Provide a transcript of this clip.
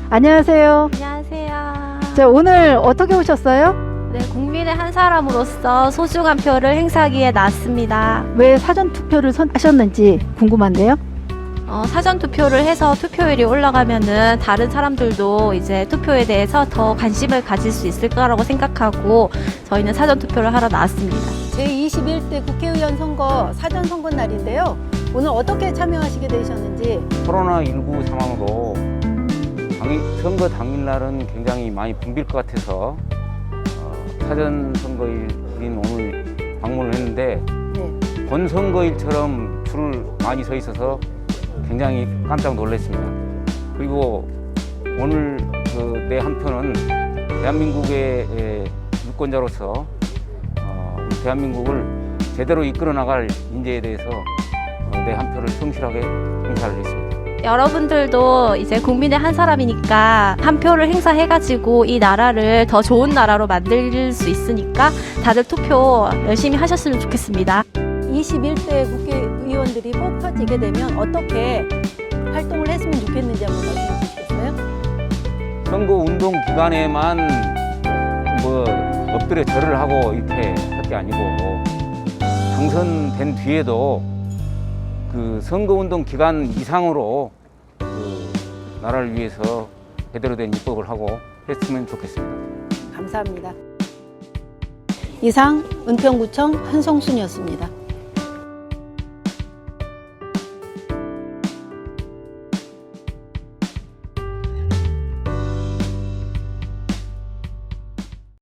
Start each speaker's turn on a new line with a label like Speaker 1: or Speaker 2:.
Speaker 1: 안녕하세요.
Speaker 2: 안녕하세요.
Speaker 1: 자, 오늘 어떻게 오셨어요?
Speaker 2: 네, 국민의 한 사람으로서 소중한 표를 행사하기에 나왔습니다.
Speaker 1: 왜 사전 투표를 선하셨는지 궁금한데요.
Speaker 2: 사전 투표를 해서 투표율이 올라가면은 다른 사람들도 이제 투표에 대해서 더 관심을 가질 수 있을 거라고 생각하고 저희는 사전 투표를 하러 나왔습니다.
Speaker 3: 제21대 국회의원 선거 사전 선거 날인데요. 오늘 어떻게 참여하시게 되셨는지.
Speaker 4: 코로나19 상황으로 선거 당일날은 굉장히 많이 붐빌 것 같아서 사전 선거일인 오늘 방문을 했는데
Speaker 3: 네.
Speaker 4: 본 선거일처럼 줄을 많이 서 있어서 굉장히 깜짝 놀랐습니다. 그리고 오늘 내 한 표는 대한민국의 유권자로서 우리 대한민국을 제대로 이끌어 나갈 인재에 대해서 내 한 표를 성실하게 행사를 했습니다.
Speaker 2: 여러분들도 이제 국민의 한 사람이니까 한 표를 행사해가지고 이 나라를 더 좋은 나라로 만들 수 있으니까 다들 투표 열심히 하셨으면 좋겠습니다.
Speaker 3: 21대 국회의원들이 뽑혀지게 되면 어떻게 활동을 했으면 좋겠는지 한번 말씀해 주시겠어요?
Speaker 4: 선거 운동 기간에만 엎드려 절을 하고 이렇게 할 게 아니고 당선된 뒤에도 그 선거운동 기간 이상으로 나라를 위해서 제대로 된 입법을 하고 했으면 좋겠습니다.
Speaker 3: 감사합니다. 이상 은평구청 한성순이었습니다.